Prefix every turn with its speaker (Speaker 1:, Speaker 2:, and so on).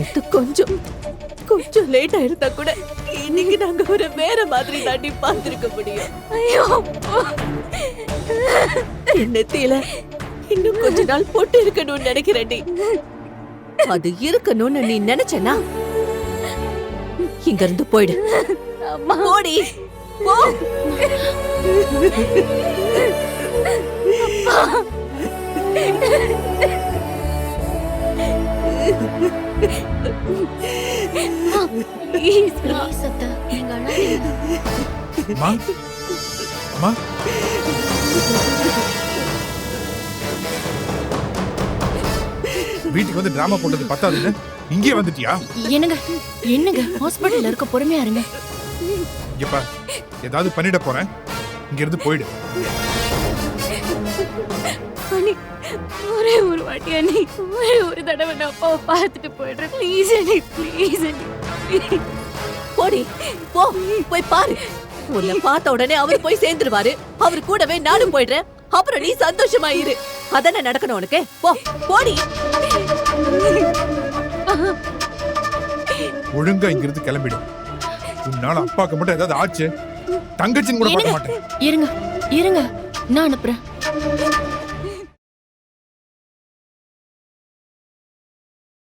Speaker 1: நேத்து கொஞ்சம் லேட் ஆயிருந்தா கூட இன்னைக்கு நாங்க ஒரு வேற மாதிரி தாண்டி பார்த்திருக்க முடியும்.
Speaker 2: ஐயோ
Speaker 1: நெத்தியில இன்னும் கொஞ்ச நாள் பொட்டு இருக்கணும்னு நினைக்கிறேன்டி. அது இருக்கணும்னு நீ நினைச்சனா இங்க இருந்து போயிடு. போடி போ.
Speaker 3: வீட்டுக்கு வந்து டிராமா போட்டது பத்தாதுன்னு இங்கே வந்துட்டியா?
Speaker 2: என்னங்க ஹாஸ்பிடல்ல இருக்க, பொறுமையா இருங்க.
Speaker 3: இங்கப்பா ஏதாவது பண்ணிட போறேன், இங்க இருந்து போயிடு.
Speaker 2: அண்ணி, ஒரே ஒரு வாட்டி அண்ணி, ஒரே ஒரு தடவை நான் அப்பாவை பார்த்துட்டு போயிடுறேன். ப்ளீஸ் அண்ணி, ப்ளீஸ் அண்ணி.
Speaker 1: போடி போ, போய் பாரு. உன்னை பார்த்த உடனே அவர் போய் சேர்ந்துருவாரு. அவர் கூடவே நானும் போயிடுறேன். அப்புறம் நீ சந்தோஷமா இரு. அதானே நடக்கணும் உனக்கு. போ போடி.
Speaker 3: ஒழுங்கா இங்க இருந்து கிளம்பிடும். உன்னால அப்பாக்கு மட்டும் ஏதாவது ஆச்சு, தங்கச்சின்னு கூட பார்க்க மாட்டேன்.
Speaker 2: இருங்க நான் அனுப்புறேன்.